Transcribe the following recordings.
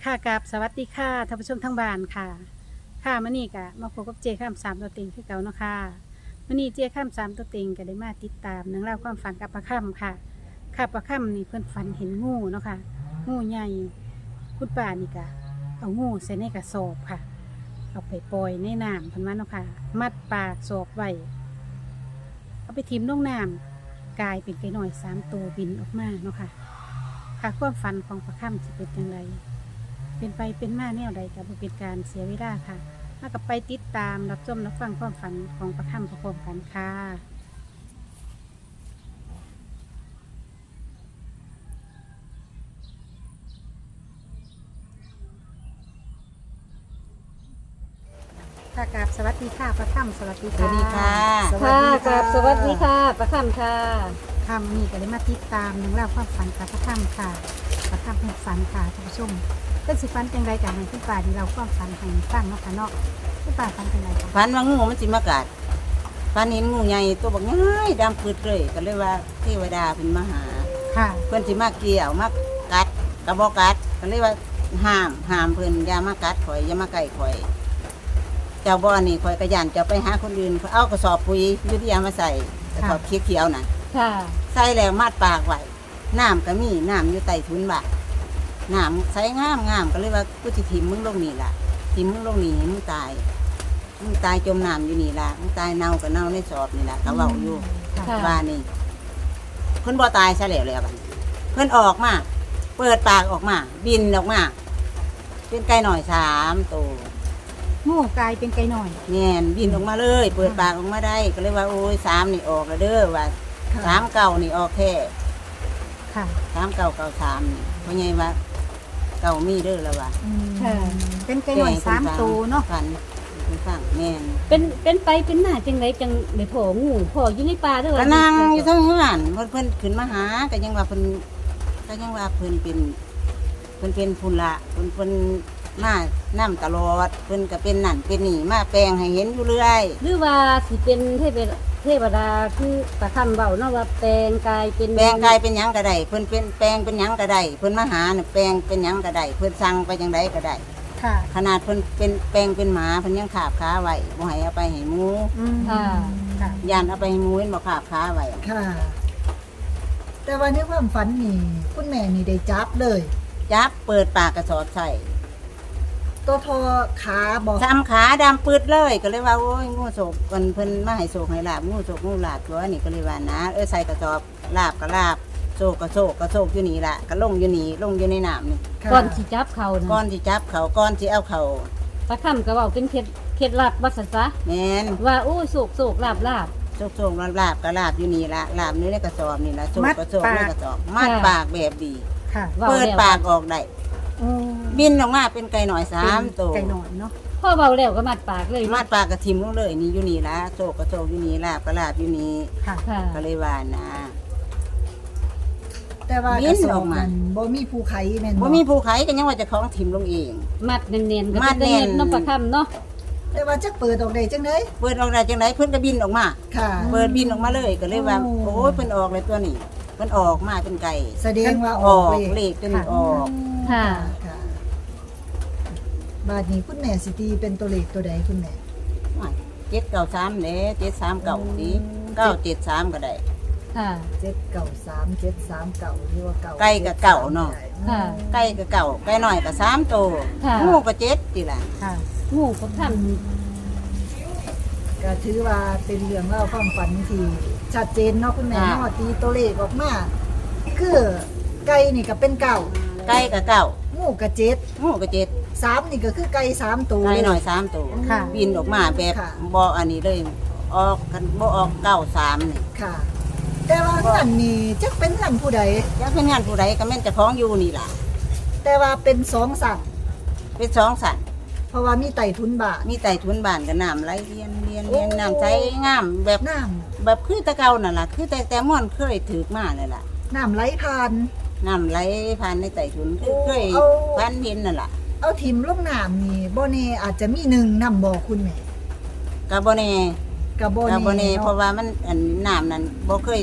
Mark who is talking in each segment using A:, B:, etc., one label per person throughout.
A: ค่ะกับสวัสดีค่ะท่านผู้ชมทั้งบ้านค่ะค่ะมื่อนี้ก็มาพบกับเจข้ามสามตัวเต็งคือเก่าเนาะค่ะมื่อนี้เจข้ามสามตัวเต็งก็ได้มาติดตามเรื่องราวความฝันกับประค่ำค่ะค่ะประค่ำนี่เพื่อนฝันเห็นงูเนาะค่ะงูใหญ่คุณป่านี่ก็เอางูใส่ในกระสอบค่ะเอาไปปล่อยในน้ำเพันว่าเนาะค่ะมัดปากสอบไว้เอาไปทิมลงน้ำกลายเป็นไก่หน่อย3 ตัวบินออกมาเนาะค่ะค่ะความฝันของประค่ำจะเป็นอย่างไรเป็นไปเป็นมาแนวใดกับเป็นการเสียเวลาค่ะมากับไปติดตามรับชมรับฟังความฝันของประค่ำพร้อมๆกันค่ะค่ะกราบสวัสดีค่ะประค่ำสวัสดี
B: สวัสดีค่ะ
C: ค่ะกับสวัสดีค่ะประคำค่ะ
A: ค่ำนี่ก็ได้มาติดตามเรื่องราวความฝันกับประค่ำค่ะประค่ำเป็นฝันค่ะท่านผู้ชมเป็นสิฝันจังไรกับให้คุณป่าที่เราความฝันให้ฟังเนาะค่ะเนาะคุณป่าฝันจังไรคะ
B: ฝันว่างูมันสิมากัดฝันเห็นงูใหญ่ตัวบักง่ายดำปืดเลยก็เลยว่าเทวดาเป็นมาหา
A: ค่ะ
B: เพื่อนสิมาเกี่ยวมากัดกระบอกกัดก็เลยว่าห้ามเพื่อนอย่ามากัดข่อยอย่ามาใกล้ข่อย เจ้าบ่อนี่ข่อยกระยันจะไปหาคนอื่นเอากระสอบปุ๋ยยุทธยามาใส่กระสอบเขียวๆน่ะ
C: ค่ะ
B: ใส่แล้วมัดปากไว้น้ำก็มีน้ำอยู่ใต้ทุนบ่าน้ำใส่งามก็เลยว่ากูจะถิ่มมึงลงนี่ล่ะถิ่มมึงลงนี่ให้มึงตายจมน้ำอยู่นี่ล่ะมึงตายเน่าก็เน่าในสอบนี่ล่ะเขาเว้าอยู่
C: ค่ะ
B: ว่านี่เพิ่นบ่ตายซะแล้วบัดนี้เพิ่นออกมาเปิดปากออกมาบินออกมาเป็นไก่หน่อย3 ตัว
A: งูกลายเป็นไก่หน่อย
B: แม่นบินออกมาเลย เปิดปากออกมาได้ก็เลยว่าโอ้ย3นี่ออกแล้วเด้อว่า3 เก่านี่ออกแค่
A: ค่ะ
B: 3 เก่า3นี่เพราะไงว่าเก่ามีเด้อแล้วว่า
C: ค่ะ
A: เป็นไก่หน่อย3 ตัวเนาะ
B: ฝันคุณฟังแม่น
C: เป็นไปเป็นหน้าจังไรจังเลยพ่องูพ่ออยู่ในป่าด้วย
B: ก็นั่งอยู่ทั้งเฮือนเพิ่นขึ้นมาหาก็ยังว่าเพิ่นเป็นพุ่นละเพิ่นมานํตลอดเพิ่นก็เป็นนั่นเป็นนี่มาแปลงให้เห็นอยู่เรื่อย
C: หรือว่าสิเป็นเทวดาคือประคำเบาเนาะว่าแปลงกายเป็น
B: แปลงกายเป็นหยังก็ได้เพิ่นเป็นแปลงเป็นหยังก็ได้เพิ่นมาหาน่ะแปลงเป็นหยังก็ได้เพิ่นสั่งไปจังไดก็ได้
A: ค่ะ
B: ขนาดเพิ่นเป็นแปลงเป็นหมาเพิ่นยังขาบขาไว้บ่ให้เอาไปให้หมู
C: ค่ะ
A: ค่ะ
B: ย่านเอาไปให้หมูเห็นบ่ขาบขาไว้
D: ค่ะ แต่ว่าในความฝันนี่คุณแม่นี่ได้จับเลย
B: จับเปิดปากกระสอบใส่
D: ตัวทอขาบอก
B: ซ้ำขาดำปืดเลยก็เลยว่าโอ้ยงูโศกเพิ่นมาให้โศกให้ลาบงูโศกงูลาบตัวนี่ก็เลยว่านะใส่กระสอบลาบก็ลาบโศกก็โศกก็โศกอยู่นี่ล่ะก็ลงอยู่นี่ลงอยู่ในน้ำนี่
D: ค่ะ
C: ก่อนสิจับเขา
B: ก้อ
C: นะ
B: นที่จับเขาก้อนที่เอาเขา
C: ประคำก็เบาเป็นเคล็ดลับวัดสัจจะ
B: แม่น
C: ว่าโอ้ยโศกลาบ
B: โศกโศกลาบก็ลาบอยู่นี่ละลาบในกระสอบนี่ละโศกก็โศกในกระสอบมัดปากแบบดี
A: ค่ะ
C: ว้
B: เปิด
C: แล้ว
B: ปากออกได้บินออกมาเป็นไก่หน่อย3 ตัว
A: ไก่หน่อยเนาะ
C: พ่อเบาแล้วก็มัดปากเลย
B: มัดปากกระทิมลงเลยนี่อยู่นี่ละโศกก็โศกอยู่นี่ลาบก็ลาบอยู่นี่
A: ค่ะ
C: ค่ะ
B: ก็เลยว่านะ
D: แต่ว่า
B: บิ
D: กระ
B: น
D: สอ
B: อบ อกมา
D: มันบ่มีภูไขแม่น
B: บ่มีผู้ขายก็ยังว่าเจะของทิมลงเอง
C: มัดเนียนๆก็
B: มั
C: เป็น
B: ดแน่
C: เนีย
B: น
C: นเนาะประคำเนาะ
D: แต่ว่าจะเปิดออกได้จังได๋
B: เปิดออกได้จังไดเพิ่นก็บินออกมา
D: ค่ะ
B: เปิดบินออกมาเลยก็เลยว่า
D: โอ้
B: โอ้ยเพิ่นออกเลยตัวนี้เพิ่นออกมาเป็นไก่
D: แสดงว่า
B: อ
D: อ
B: อ
D: อก
B: ก
D: เล
B: เล
D: ข
B: ขตัวนี้ออก
C: ค่ะ
D: ค่ะบาดนี้คุณแม่สิตีเป็นตัวเลขตัวใดคุณแม่
B: 793เด้739ดี973ก็ได้
C: ค่ะ
D: 793 739หรือว่าเก่า
B: ไก่กับเก่าเนาะ
C: ค่ะ
B: ไก่ก็เก่าไก่น้อยก็3ตัว
C: ค่ะ
B: งูก็7ติล่ะ
A: ค่ะ
C: งูประค
D: ก็ถือว่าเป็นเรื่องเล่าความฝันที่ชัดเจนเนาะคุณแม่เนาะตีตัวเลขออกมาคือไก่นี่ก็เป็นเก่า
B: ไก่ก็เก่า
D: งูก็เจ็ด
B: งูก็7
D: 3นี่ก็คือไก่3ตัว
B: ไก่
D: เลย
B: น้อย3ตัว
A: ค่ะ
B: บินออกมาแบบ
D: ค่ะ
B: บ่อันนี้เลยออกกันบ่ออก93นี่
D: ค่ะ แต่ว่าเงินนี่จักเป็นเงินผู้ใด
B: จักเป็นงานผู้ใดก็แม่นเจ้าของอยู่นี่ล่ะ
D: แต่ว่าเป็นสองสั่ง
B: เป็น2สัตว์
D: เพราะว่ามีไต่ทุนบาท
B: มีไต่ทุนบ้านกับน้ำไหลเรียนน้ำใสงามแบบ
D: น้
B: แบบคือแตะเก่านั่นล่ะคือแต่ม่วนเคยถือมาเลยล่ะ
D: ำน้ำไหลผ่าน
B: น้ำไหลผ่านในไต่ทุนคือเคย
D: เอา
B: ผ่านเห็นนั่นล่ะ
D: เอาทิมลงน้ำนี่บ่แน่อาจจะมีหนึ่งนำบอกคุณแม่
B: กะบ่แน่
D: กับบ่
B: กะบ่แน่
D: แน่
B: เพราะ
D: เนาะ
B: ว่ามันอันน้ำนั้นบ่เคย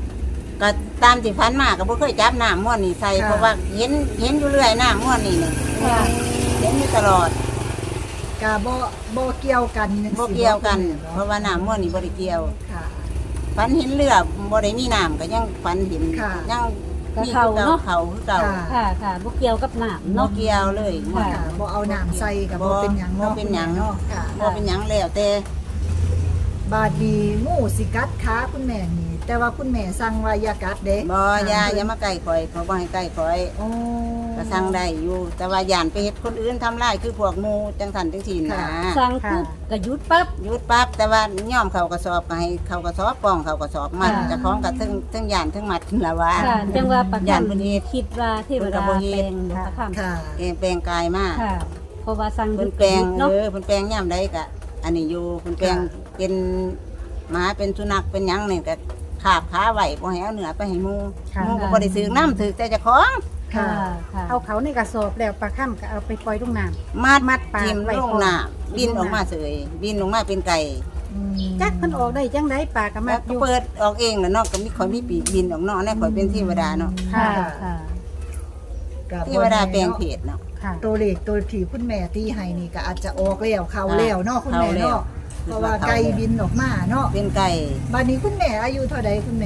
B: ก็ตามที่ผ่านมาก็บ่เคยจับน้ำม่วนนี่ใส่เพราะว่าเห็นอยู่เรื่อยน้ำม่วนนี่
C: ค่ะ
B: เห็นอยู่ตลอด
D: กะบ่เกี่ยวกันจัง
B: บ่
D: ซี้
B: เกี่ยวกัน
D: เนาะ
B: เพราะว่าน้ำม่วนนี่บ่ได้เกี่ยว
D: ค่ะ
B: ฝันเห็นเรือบ่ได้มีน้ำก็ยังฝันเห็น
D: ค่ะ
B: ยัง
C: ก็
B: มี
C: เขาเนาะ
B: เขาคือเก่า
D: ค่ะ
C: ค่ะค่ะบ่เกี่ยวกับน้ำ
B: บ่
C: เนาะ
B: เกี่ยวเลย
C: ค่ะ
D: ค่ะบ่เอาน้ำใส่กับ
B: บ่
D: บ่เป็นหยังเนาะ
B: บ่เป็นหยัง
D: เนาะค่ะ
B: บ่เป็นหยังแล้วแต่
D: บาดนี้งูสิกัดขาคุณแม่นี่ แต่ว่าคุณแม่สั่งว่าอย่ากัดเด้
B: บ่อย่ามาใกล้ข่อยเขาบ่ให้ใกล้ข่อย
D: โอ้
B: ก็สั่งได้อยู่ แต่ว่าย่านไปเฮ็ดคนอื่นทำร้ายคือพวกหมู่จังซั่นจังซี่นะ
C: สั่งปุ๊บก็หยุดปั๊บ
B: หยุดปั๊บแต่ว่าย่อมเข้ากระสอบก็ให้เข้ากระสอบป้องเข้ากระสอบมัด
C: ค่ะ
B: เจะคล้าของกับทั้งย่านทั้งมัดละว่า
C: ค่ะจังว่าประ
B: ย่า
C: คั
B: น
C: น
B: เพิ่นเฮ็ด
C: คิดว่าเทวดา
B: เพิ่นก็บ่เฮ็
C: แปล
B: ด
C: งหรือประคัน
D: ค่ะ
B: แปลงกายมา
C: ค่ะ เพราะว่าสั่งห
B: เพิ่
C: ยุ
B: น
C: ด
B: แปลง
C: เนาะ
B: เพิ่นแปลงย่ำใดก็อันนี้อยู่เพิ่นแปลงเป็นหมาเป็นสุนัขเป็นหยังนี่ก็ขาบขาไว้บ่ให้เอาเนื้อไปให้หมู่
A: ค่ะ
B: หมู่ก็บ่ได้ซื้อน้ำถือแต่เจ้าของ
C: ค่ะค่ะ
A: เอาเขาในกระสอบแล้วปลาค่ำก็เอาไปปล่อยลงน้
B: มัด
A: ปาก
B: ทิ่ม
A: ไว้
B: ลง
A: ก่อน
B: น้ำบินออกมาเสยบินออกมาเป็นไก่
D: อืม
A: ำจักเพิ่นออกได้จังไดปลาก็มั
B: แล้
A: ด
B: ว
A: อ
B: ก็
A: ยู่
B: เปิดออกเองแล้วเนาะก็มีข่อยมีปีกบินออกเนาะแน่ข่อยเป็นเทวดาเนาะ
C: ค่ะค่ะ
D: ก็
B: เทวดาแปลงเพศเนาะ
A: ค่ะ
D: ตัวเลขตัวที่คุณแม่ตีให้นี่ก็อาจจะออกแล้วเข้าแล้วเนาะคุณแม่
B: เข้าแล้ว
D: เนาะเพราะว่าไก่บินออกมาเนาะ
B: เป็นไก่
D: บัดนี้คุณแม่อายุเท่าใดคุณแม่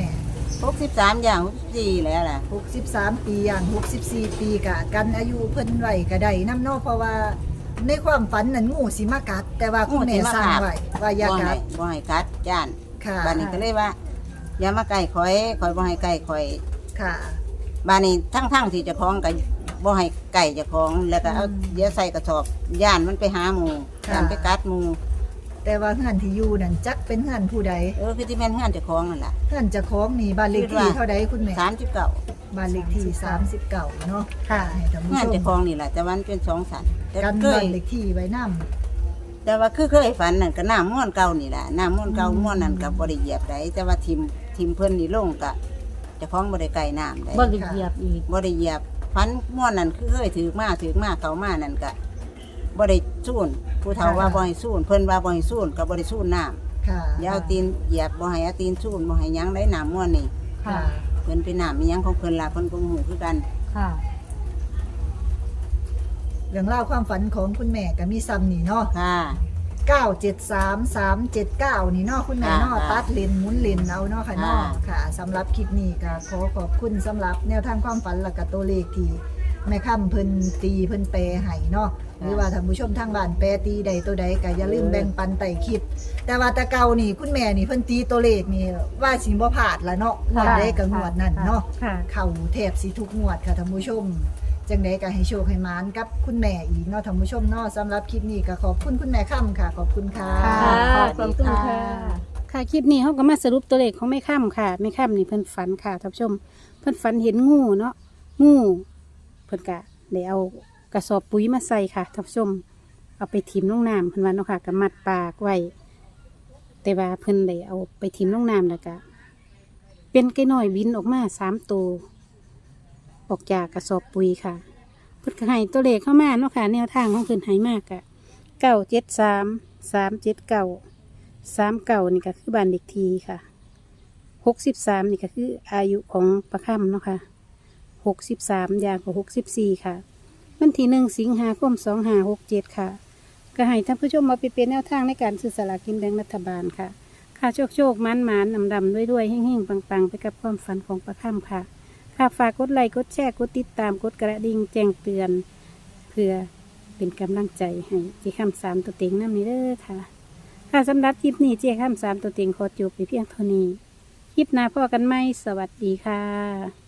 B: 63อย่าง64แล้วล่ะ
D: 63 ปีอย่าง64 ปีกะกันอายุเพิ่นไว้ก็ได้นํเนาะเพราะว่าในความฝันนั้นงูสิมากัด แต่ว่าคุณแม่สั่งไว้ว่าอย่ากัด
B: บ่ให้กัดย่าน
D: ค่ะ
B: บ้านนี้ก็เลยว่า อย่ามาใกล้ข่อยบ่ให้ใกล้ข่อย
D: ค่ะ
B: บ้านนี้ทั้งที่เจ้าของก็บ่ให้ไก่เจ้าของแล้วก็เอา
D: อืม
B: เดี๋ยวใส่กระสอบย่านมันไปหาหมู่
D: ค่ะ
B: ย่านไปกัดหมู่
D: แต่ว่าเฮือนที่อยู่นั่นจักเป็นเฮือนผู้ใด
B: คือที่แม่นเฮือนเจ้าของนั่นล่ะ
D: เฮือนเจ้าของนี่บ้านเลขที่เท่าใดคุณแม่
B: 39
D: บ้านเลขที่39เนาะ
A: ค่ะ
D: ให้ท่านผู้
B: เฮือน
D: ชม
B: เจ้าของนี่ล่ะแต่ว่ามันเป็น2สันแต่
D: กัน
B: เค
D: บ้าย นเลขที่ไว้นำ
B: แต่ว่าคือเคยฝันนั่นก็น้ำม่วนเก่านี่ล่ะน้ำม่วนเก่าม่วนนั่นก็บ่ได้เหยียบได้แต่ว่าทิมเพิ่นนี่ลงก็เจ้าของบ่ได้ไกลน้ำได้
C: บ่ได้เหยียบอีก
B: บ่ได้เหยียบฟันม่วนนั่นคือเคยถือมาเขามานั่นก็บ่ได้สู้นผู้เฒ่าว่าบ่ให้สู้นเพิ่นว่าบ่ให้สู้นก็บ่ได้สู้นน้ำ
D: ค่ะ
B: อย่าเอาตีนเหยียบบ่ให้เอาตีนสู้นบ่ให้หยังได้น้ำม่วนนี่
C: ค่ะ
B: เพิ่นเป็นน้ำอีหยังของเพิ่นล่ะเพิ่นก็ฮู้คือกัน
C: ค่ะ
D: เรื่องราวความฝันของคุณแม่ก็มีซ้ำนี่เนาะ
B: ค่ะ
D: 973379นี่เนาะคุณแม่เนาะ
B: ค่ะ
D: ตัดเลนหมุนเลนเอาเนาะค่ะเนาะค่ะสำหรับคลิปนี้ก็ขอขอบคุณสำหรับแนวทางความฝันและก็ตัวเลขที่แม่ค่ำเพิ่นตีเพิ่นแปลให้เนาะหรือว่าท่านผู้ชมทางบ้านแปลตีใดตัวใดก็อย่าลืมแบ่งปันไต่คลิป แต่ว่าแต่เก่านี่คุณแม่นี่เพิ่นตีตัวเลขนี่ว่าสิบ่พลาดละเนาะงวดใดก็งวดนั้นเนาะ
A: ค่ะ
D: เข้าแทบสิทุกงวดค่ะท่านผู้ชม จังใดก็ให้โชคให้หมานกับคุณแม่อีกเนาะท่านผู้ชมเนาะสำหรับคลิปนี้ก็ขอบคุณคุณแม่ค่ำค่ะ ขอบคุณค่ะ
A: ค่ะ
C: ขอบคุณค่ะ
A: ค่ะคลิปนี้เขาก็มาสรุปตัวเลขของแม่ค่ำค่ะแม่ค่ำนี่เพิ่นฝันค่ะท่านผู้ชม เพิ่นฝันเห็นงูเนาะงูเพิ่นกะได้เอากระสอบปุ๋ยมาใส่ค่ะท่านผู้ชม เอาไปถิ่มลงน้ำเพิ่นว่าเนาะค่ะก็มัดปากไว้ แต่ว่าเพิ่นได้เอาไปถิ่มลงน้ำแล้วก็เป็นไก่น้อยบินออกมา3 ตัวออกจากกระสอบปุ๋ยค่ะเพิ่นก็ให้ตัวเลขเข้ามาเนาะค่ะแนวทางของเพิ่นให้มากกะ973 379นี่ก็คือบ้านเด็กทีค่ะ63นี่ก็คืออายุของประค่ำเนาะค่ะ63อย่างกว่า64ค่ะวันที่1 สิงหาคม 2567ค่ะก็ให้ท่านผู้ชมมาไปเป็นแนวทางในการซื้อสลากกินแบ่งรัฐบาลค่ะค่ะโชคมันดำด้วยๆแห้งๆปังๆไปกับความฝันของประค่ำค่ะค่ะฝากกดไลค์กดแชร์กดติดตามกดกระดิ่งแจ้งเตือนเพื่อเป็นกำลังใจให้เจ้าค่ำ3ตัวเต็งน้ำนี้เด้อค่ะค่ะสำหรับคลิปนี้เจ้าค่ำ3ตัวเต็งขอจบไปเพียงเท่านี้คลิปหน้าพอกันไหมสวัสดีค่ะ